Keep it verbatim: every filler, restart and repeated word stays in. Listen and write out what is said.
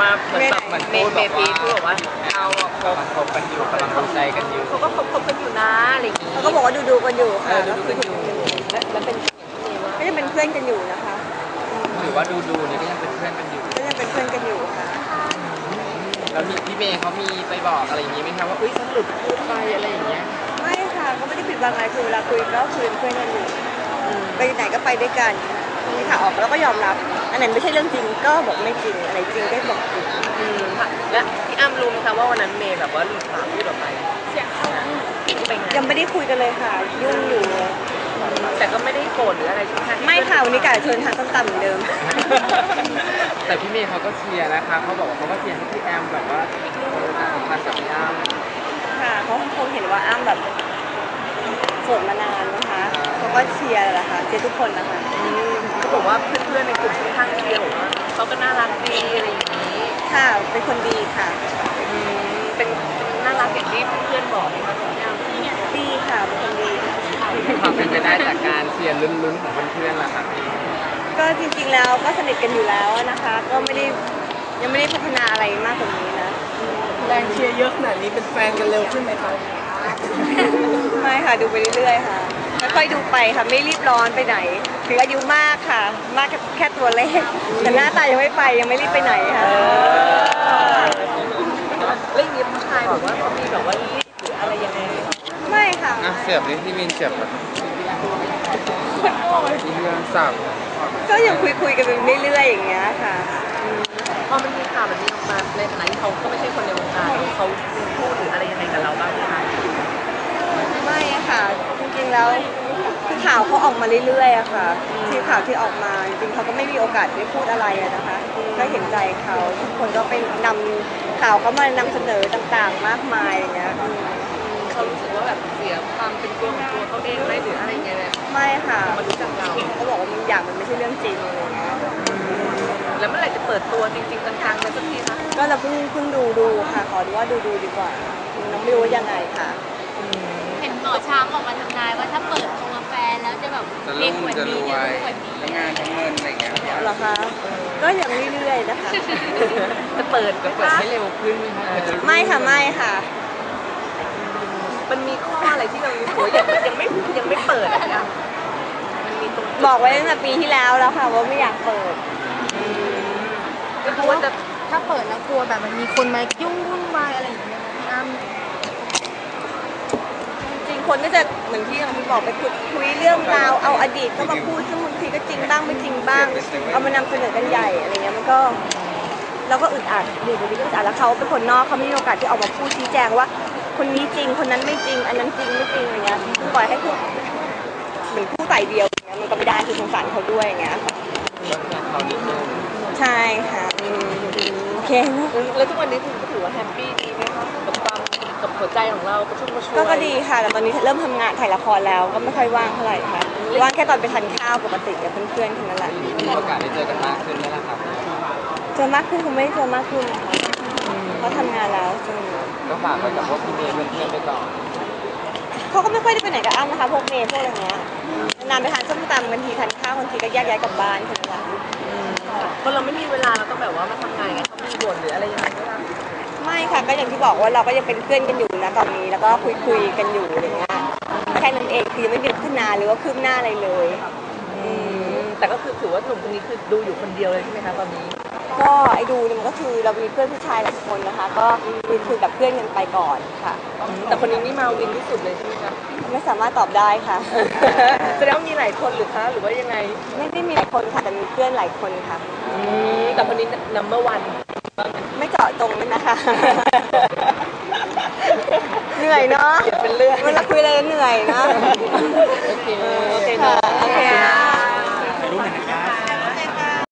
มาเหมือนแบบเหมือนเมย์เมย์พีพูดบอกว่าเราคบคบกันอยู่กำลังดูใจกันอยู่เขาก็คบคบกันอยู่นะอะไรอย่างงี้เขาก็บอกว่าดูดูกันอยู่ค่ะดูดูกันอยู่แล้วเป็นก็ยังเป็นเพื่อนกันอยู่นะคะหรือว่าดูดูนี่ก็ยังเป็นเพื่อนกันอยู่ก็ยังเป็นเพื่อนกันอยู่ค่ะแล้วมีพี่เมย์เขามีไปบอกอะไรอย่างงี้ไหมคะว่าเอ้ยฉันหลุดพูดไปอะไรอย่างเงี้ยไม่ค่ะก็ไม่ได้ปิดบังอะไรคือเวลาคุยก็คุยเป็นเพื่อนกันอยู่ไปไหนก็ไปด้วยกันมีข่าวออกแล้วก็ยอมรับอันไหนไม่ใช่เรื่องจริงก็บอกไม่จริงอะไรจริงก็บอกจริงและพี่อ้ำรู้ไหมคะว่าวันนั้นเมย์แบบว่าหลุดปากพูดออกไปเสียงเขายังไม่ได้คุยกันเลยค่ะยุ่งอยู่แต่ก็ไม่ได้โกรธหรืออะไรใช่ไหมไม่ค่ะวันนี้กะเชิญทานส้มตำเหมือนเดิมแต่พี่เมย์เขาก็เชียร์นะคะเขาบอกว่าเขาก็เชียร์ให้พี่แอมแบบว่าสัมพันธ์กับพี่อ้ำค่ะเขาคงเห็นว่าอ้ำแบบโสดมานานนะคะเขาก็เชียร์แหละค่ะเชียร์ทุกคนนะคะเขาบอกว่าเพื่อนๆในกลุ่มค่อนข้างเชียร์บอกว่าเขาก็น่ารักดีอะไรอย่างนี้ค่ะเป็นคนดีค่ะเป็นน่ารักอย่างที่เพื่อนบอกนะคะพี่อ้ำดีค่ะเป็นคนดีความเป็นไปได้จากการเชียร์ลุ้นๆของเพื่อนๆล่ะค่ะก็จริงๆแล้วก็สนิทกันอยู่แล้วนะคะก็ไม่ได้ยังไม่ได้พัฒนาอะไรมากกว่านี้นะแรงเชียร์เยอะขนาดนี้เป็นแฟนกันเร็วขึ้นไหมคะไม่ค่ะดูไปเรื่อยๆค่ะค่อยๆดูไปค่ะไม่รีบร้อนไปไหนถึงอายุมากค่ะมากแค่ตัวเลขแต่หน้าตายังไม่ไปยังไม่รีบไปไหนค่ะเรื่องนี้ผู้ชายบอกว่าเขามีแบบว่ารีบหรืออะไรยังไงไม่ค่ะเสียบนี่ที่มินเสียบแบบที่เรื่องสับก็ยังคุยๆกันไปเรื่อยๆอย่างเงี้ยค่ะพอมันมีข่าวแบบนี้ออกมาในฐานะที่เขาก็ไม่ใช่คนในวงการเขาพูดหรืออะไรยังไงกับเราบ้างไหมคะไม่ค่ะจริงๆแล้วข่าวเขาออกมาเรื่อยๆอะค่ะที่ข่าวที่ออกมาจริงๆเขาก็ไม่มีโอกาสได้พูดอะไรนะคะก็เห็นใจเขาทุกคนก็ไปนำข่าวเขามานำเสนอต่างๆมากมายอย่างเงี้ยเขารู้สึกว่าแบบเสียความเป็นตัวของตัวเขาเองไหมหรืออะไรเงี้ยไม่ค่ะมารู้จักเราเขาบอกว่ามันอย่างมันไม่ใช่เรื่องจริงอะไรเงี้ยแล้วเมื่อไหร่จะเปิดตัวจริงๆจังๆกันสักทีคะก็เราเพิ่งเพิ่งดูดูค่ะขอดูว่าดูดูดีกว่าน้องไม่รู้ว่ายังไงค่ะเห็นหมอช้างออกมาทำนายว่าถ้าเปิดตัวกาแฟแล้วจะแบบมีขวดดีจะมีขวดดีทั้งงานทั้งเงินอะไรเงี้ยเหรอคะก็ยังเรื่อยๆนะคะจะเปิดจะเปิดให้เร็วขึ้นไหมคะไม่ค่ะไม่ค่ะมันมีข้ออะไรที่เรารู้ยังยังไม่ยังไม่เปิดอ่ะมันมีตรงบอกไว้ตั้งแต่ปีที่แล้วแล้วค่ะว่าไม่อยากเปิดก็เพราะว่าถ้าเปิดแล้วกลัวแบบมันมีคนมายุ่งวุ่นวายอะไรอย่างเงี้ยพี่อ้ำจริงคนก็จะเหมือนที่เราบอกไปคุยเรื่องราวเอาอดีตเข้ามาพูดซึ่งบางทีก็จริงบ้างไม่จริงบ้างเอามานำเสนอกันใหญ่อะไรเงี้ยมันก็เราก็อึดอัดอยู่ตรงนี้ก็อึดอัดแล้วเขาเป็นคนนอกเขาไม่มีโอกาสที่ออกมาพูดชี้แจงว่าคนนี้จริงคนนั้นไม่จริงอันนั้นจริงไม่จริงอะไรเงี้ยปล่อยให้พูดเหมือนผู้ฝ่ายเดียวอย่างเงี้ยมันก็ไม่ได้คือสงสารเขาด้วยอย่างเงี้ยใช่ค่ะโอเคแล้วทุกวันนี้คุณถือว่าแฮปปี้ดีไหมคะกับความกับหัวใจของเรากระชุ่มกระชวยก็ดีค่ะแต่ตอนนี้เริ่มทำงานถ่ายละครแล้วก็ไม่ค่อยว่างเท่าไหร่ค่ะว่างแค่ตอนไปทานข้าวปกติกับเพื่อนๆแค่นั้นแหละมีโอกาสได้เจอกันมากขึ้นไหมล่ะครับเจอมากขึ้นคงไม่เจอมากขึ้นเขาทำงานแล้วจนก็ฝากไว้กับพวกพี่เมย์เพื่อนๆไปก่อนเขาก็ไม่ค่อยได้ไปไหนกับอ้ำนะคะพวกเมย์พวกอะไรเงี้ยนานไปทานส้มตำบางทีทานข้าวบางทีก็แยกย้ายกลับบ้านแค่นั้นแหละเพราะเราไม่มีเวลาเราต้องแบบว่ามาทำงานไงเขามีบ่นหรืออะไรยังไงก็ได้ไม่ค่ะก็อย่างที่บอกว่าเราก็ยังเป็นเพื่อนกันอยู่นะตอนนี้แล้วก็คุยคุยกันอยู่อย่างเงี้ยแค่นั้นเองคือยังไม่มีพัฒนาหรือว่าคืบหน้าอะไรเลยแต่ก็คือถือว่าหนุ่มคนนี้คือดูอยู่คนเดียวเลยใช่ไหมคะตอนนี้ก็ไอ้ดูเนี่ยมันก็คือเรามีเพื่อนผู้ชายหลายคนนะคะก็คุยคุยกับเพื่อนกันไปก่อนค่ะแต่คนนี้นี่มาวินที่สุดเลยใช่ไหมคะไม่สามารถตอบได้ค่ะแสดงว่ามีหลายคนหรือคะหรือว่ายังไงไม่ได้มีหลายคนค่ะแต่มีเพื่อนหลายคนค่ะแต่คนนี้ number one ไม่เจาะตรงเลยนะคะเหนื่อยเนาะเป็นเรื่องเวลาคุยอะไรเหนื่อยเนาะโอเค